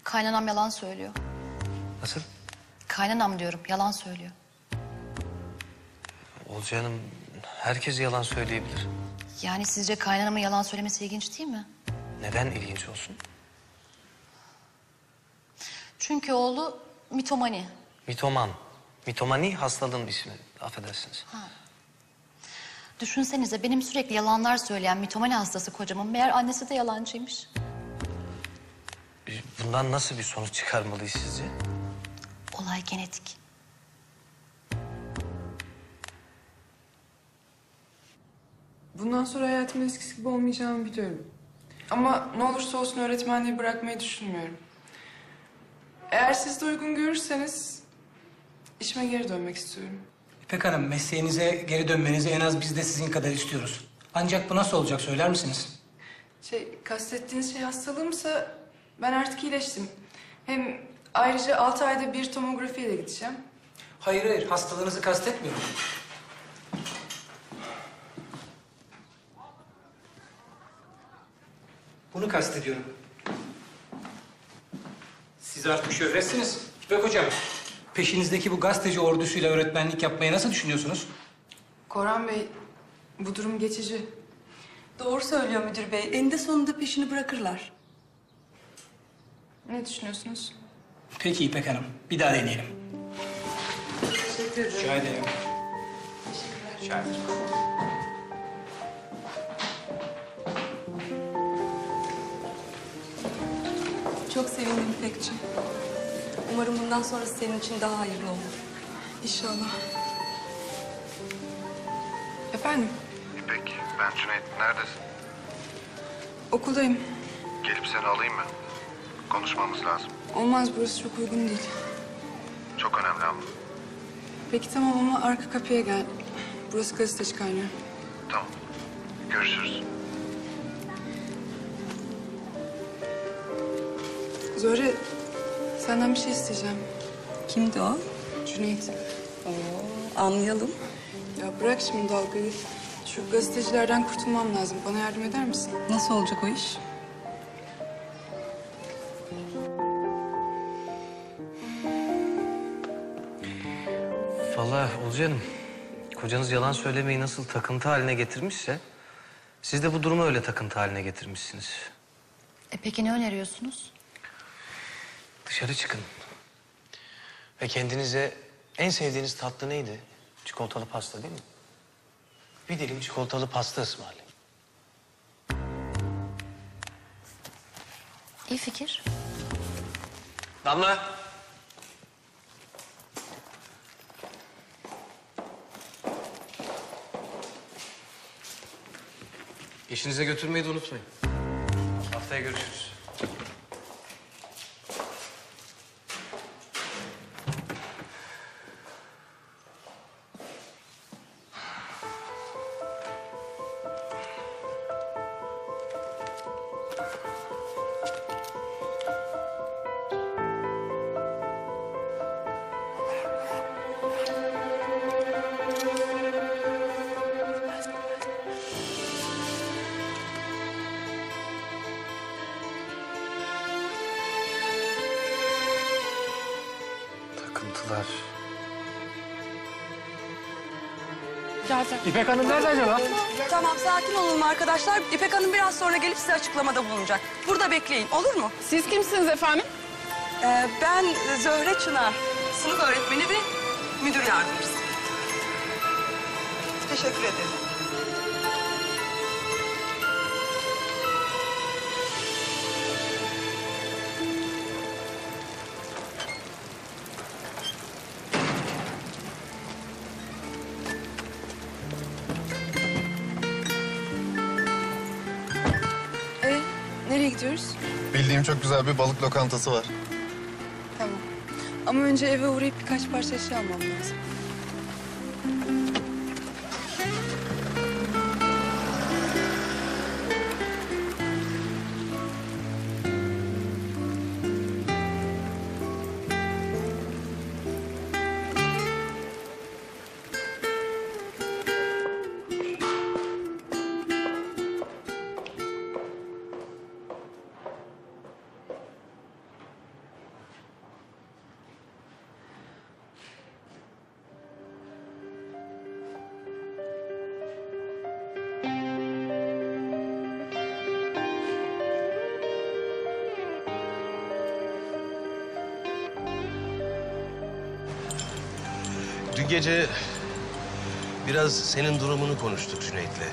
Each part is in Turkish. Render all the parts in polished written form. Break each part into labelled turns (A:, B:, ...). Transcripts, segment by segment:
A: Kaynanam yalan söylüyor.
B: Nasıl?
A: Kaynanam diyorum, yalan söylüyor.
B: Olcay Hanım, herkes yalan söyleyebilir.
A: Yani sizce kaynanamın yalan söylemesi ilginç değil mi?
B: Neden ilginç olsun?
A: Çünkü oğlu mitomani.
B: Mitoman. Mitomani hastalığın ismi. Affedersiniz.
A: Düşünsenize benim sürekli yalanlar söyleyen mitomani hastası kocamın meğer annesi de yalancıymış.
B: Bundan nasıl bir sonuç çıkarmalıyız sizce?
A: Olay genetik.
C: Bundan sonra hayatımın eskisi gibi olmayacağını biliyorum. Ama ne olursa olsun öğretmenliği bırakmayı düşünmüyorum. Eğer siz de uygun görürseniz işime geri dönmek istiyorum.
D: İpek Hanım, mesleğinize geri dönmenizi en az biz de sizin kadar istiyoruz. Ancak bu nasıl olacak söyler misiniz?
C: Kastettiğiniz şey hastalığımsa ben artık iyileştim. Hem ayrıca 6 ayda bir tomografiye de gideceğim.
D: Hayır, hastalığınızı kastetmiyorum. Bunu kastediyorum. Siz artık şöhretsiniz. İpek Hocam, peşinizdeki bu gazeteci ordusuyla öğretmenlik yapmayı nasıl düşünüyorsunuz?
C: Korhan Bey, bu durum geçici.
E: Doğru söylüyor müdür bey. Eninde sonunda peşini bırakırlar.
C: Ne düşünüyorsunuz?
D: Peki İpek Hanım, bir daha deneyelim.
C: Teşekkür ederim.
D: Rica ederim.
C: Teşekkürler.
D: Rica ederim.
E: Çok sevindim İpekciğim. Umarım bundan sonrası senin için daha hayırlı olur.
C: İnşallah. Efendim,
F: İpek, ben Cüneyt. Neredesin?
C: okuldayım.
F: Gelip seni alayım mı? Konuşmamız lazım.
C: Olmaz, burası çok uygun değil.
F: Çok önemli ama.
C: Peki tamam ama arka kapıya gel. Burası gazeteci kaynıyor.
F: Tamam. Görüşürüz.
C: Zöhre, senden bir şey isteyeceğim.
E: Kimdi o?
C: Cüneyt.
E: Anlayalım.
C: Ya bırak şimdi dalgayı. Şu gazetecilerden kurtulmam lazım. Bana yardım eder misin?
E: Nasıl olacak o iş?
B: Vallahi Olcay Hanım, kocanız yalan söylemeyi nasıl takıntı haline getirmişse... ...siz de bu durumu öyle takıntı haline getirmişsiniz.
A: Peki ne öneriyorsunuz?
B: Dışarı çıkın. Ve kendinize en sevdiğiniz tatlı neydi? Çikolatalı pasta değil mi? Bir dilim çikolatalı pasta ısmarlayın.
A: İyi fikir.
B: Damla. İşinize götürmeyi de unutmayın. Haftaya görüşürüz. Takıntılar.
D: İpek Hanım nerede acaba?
E: Tamam, sakin olun arkadaşlar. İpek Hanım biraz sonra gelip size açıklamada bulunacak. Burada bekleyin, olur mu?
C: Siz kimsiniz efendim?
E: Ben Zöhre Çınar. Sınıf öğretmeni ve müdür yardımcısı. Teşekkür ederim.
C: Nereye gidiyoruz?
F: Bildiğim çok güzel bir balık lokantası var.
C: Tamam. Ama önce eve uğrayıp birkaç parça eşya almam lazım.
G: Dün gece biraz senin durumunu konuştuk Cüneyt'le.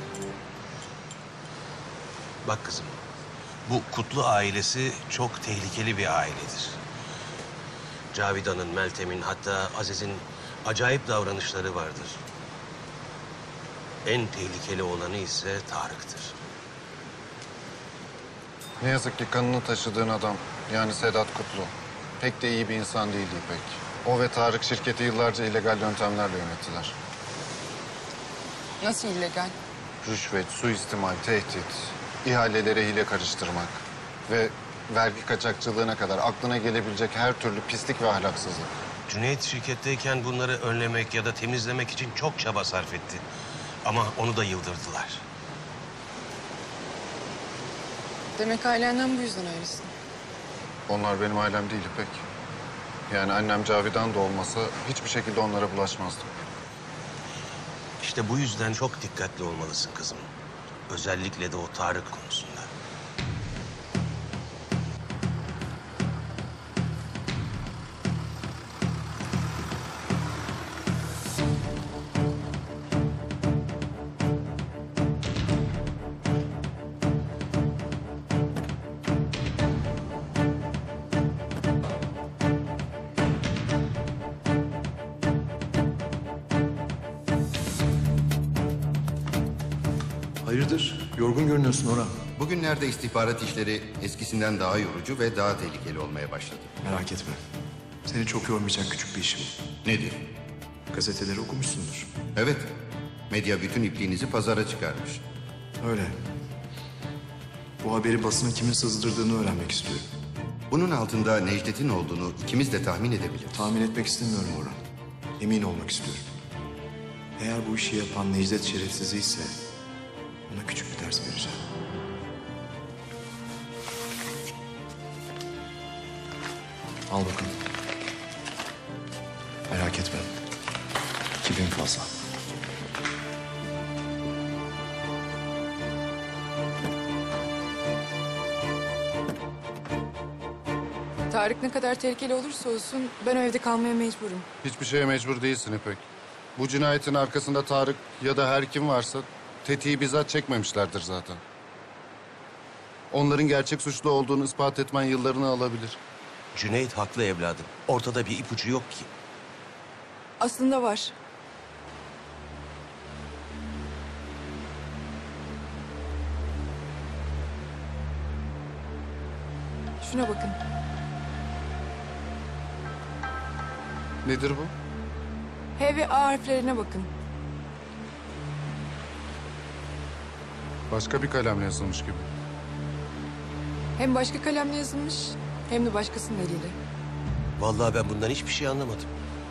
G: Bak kızım, bu Kutlu ailesi çok tehlikeli bir ailedir. Cavidan'ın, Meltem'in, hatta Aziz'in acayip davranışları vardır. En tehlikeli olanı ise Tarık'tır.
H: Ne yazık ki kanını taşıdığın adam, yani Sedat Kutlu, pek de iyi bir insan değildi İpek. O ve Tarık şirketi yıllarca illegal yöntemlerle yönettiler.
C: Nasıl illegal?
H: Rüşvet, suistimal, tehdit, ihalelere hile karıştırmak ve vergi kaçakçılığına kadar aklına gelebilecek her türlü pislik ve ahlaksızlık.
G: Cüneyt şirketteyken bunları önlemek ya da temizlemek için çok çaba sarf etti. Ama onu da yıldırdılar.
C: Demek ailenden bu yüzden ayrısın.
H: Onlar benim ailem değil İpek. Yani annem Cavidan da olmasa hiçbir şekilde onlara bulaşmazdım.
G: İşte bu yüzden çok dikkatli olmalısın kızım. Özellikle de o Tarık konusunda.
I: Hayırdır? Yorgun görünüyorsun Orhan.
J: Bugünlerde istihbarat işleri eskisinden daha yorucu ve daha tehlikeli olmaya başladı.
I: Merak etme. Seni çok yormayacak küçük bir iş bu.
J: Nedir?
I: Gazeteleri okumuşsundur.
J: Evet, medya bütün ipliğinizi pazara çıkarmış.
I: Öyle. Bu haberi basına kimin sızdırdığını öğrenmek istiyorum.
J: Bunun altında Necdet'in olduğunu ikimiz de tahmin edebiliriz.
I: Tahmin etmek istemiyorum Orhan. Emin olmak istiyorum. Eğer bu işi yapan Necdet şerefsizi ise ona küçük bir ders vereceğim. Al bakalım. Merak etme. 2000 fazla.
C: Tarık ne kadar tehlikeli olursa olsun ben o evde kalmaya mecburum.
H: Hiçbir şeye mecbur değilsin İpek. Bu cinayetin arkasında Tarık ya da her kim varsa tetiği bizzat çekmemişlerdir zaten. Onların gerçek suçlu olduğunu ispat etmen yıllarını alabilir.
G: Cüneyt haklı evladım. Ortada bir ipucu yok ki.
C: Aslında var. Şuna bakın.
H: Nedir bu?
C: H ve A harflerine bakın.
H: Başka bir kalemle yazılmış gibi.
C: Hem başka kalemle yazılmış hem de başkasının eliyle.
G: Vallahi ben bundan hiçbir şey anlamadım.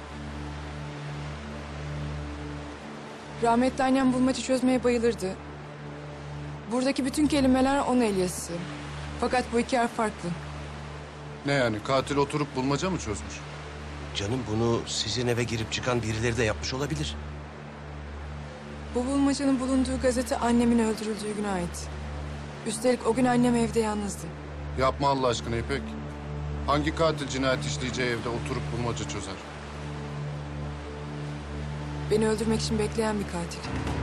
C: Rahmetli annem bulmaca çözmeye bayılırdı. Buradaki bütün kelimeler onun el yazısı. Fakat bu iki harf farklı.
H: Ne yani? Katil oturup bulmaca mı çözmüş?
G: Canım bunu sizin eve girip çıkan birileri de yapmış olabilir.
C: Bu bulmacanın bulunduğu gazete annemin öldürüldüğü güne ait. Üstelik o gün annem evde yalnızdı.
H: Yapma Allah aşkına İpek. Hangi katil cinayet işleyeceği evde oturup bulmaca çözer?
C: Beni öldürmek için bekleyen bir katil.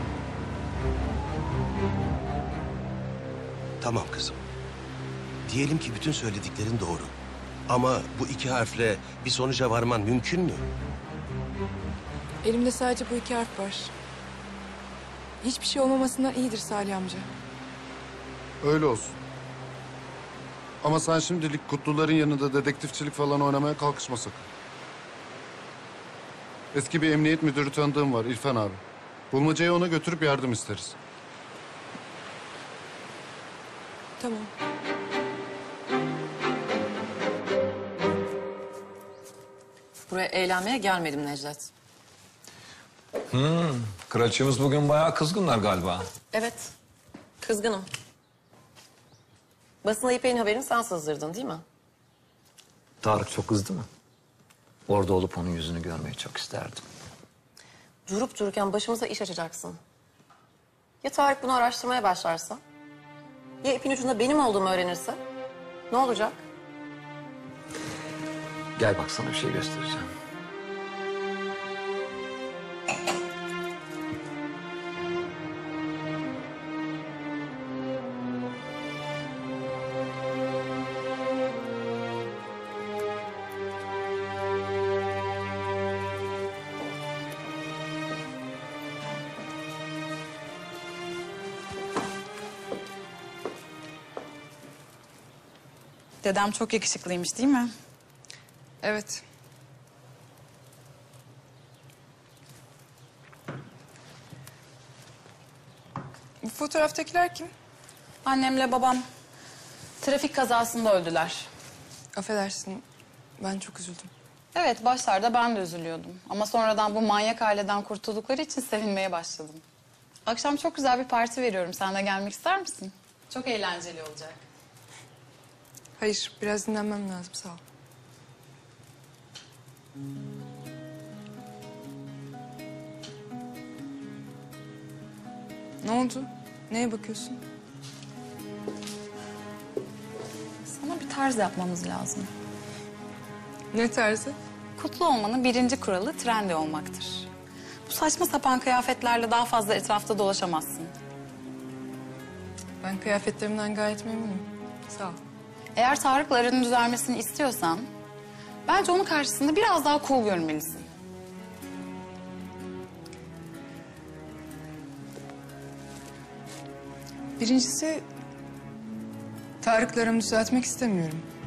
G: Tamam kızım. Diyelim ki bütün söylediklerin doğru. Ama bu iki harfle bir sonuca varman mümkün mü?
C: Elimde sadece bu iki harf var. Hiçbir şey olmamasından iyidir Salih amca.
H: Öyle olsun. Ama sen şimdilik Kutluların yanında dedektifçilik falan oynamaya kalkışma sakın. Eski bir emniyet müdürü tanıdığım var İrfan abi. Bulmacayı ona götürüp yardım isteriz.
C: Tamam.
E: Buraya eğlenmeye gelmedim Necdet.
K: Kraliçemiz bugün bayağı kızgınlar galiba.
E: Evet, kızgınım. Basına İpek'in haberini sen sızdırdın değil mi?
L: Tarık çok kızdı mı? Orada olup onun yüzünü görmeyi çok isterdim.
E: Durup dururken başımıza iş açacaksın. Ya Tarık bunu araştırmaya başlarsa? Ya ipin ucunda benim olduğumu öğrenirse? Ne olacak?
L: Gel bak sana bir şey göstereceğim.
M: Dedem çok yakışıklıymış değil mi?
C: Evet. Bu fotoğraftakiler kim?
M: Annemle babam trafik kazasında öldüler.
C: Affedersin, ben çok üzüldüm.
M: Evet, başlarda ben de üzülüyordum. Ama sonradan bu manyak aileden kurtuldukları için sevinmeye başladım. Akşam çok güzel bir parti veriyorum. Sen de gelmek ister misin? Çok eğlenceli olacak.
C: Hayır, biraz dinlenmem lazım, sağ ol. Ne oldu? Neye bakıyorsun?
M: Sana bir tarz yapmamız lazım.
C: Ne tarzı?
M: Kutlu olmanın birinci kuralı trendy olmaktır. Bu saçma sapan kıyafetlerle daha fazla etrafta dolaşamazsın.
C: Ben kıyafetlerimden gayet memnunum. Sağ ol.
M: Eğer Tarık'la aranın düzelmesini istiyorsan... bence onun karşısında biraz daha cool görünmelisin.
C: Birincisi, Tarık'la aramı düzeltmek istemiyorum.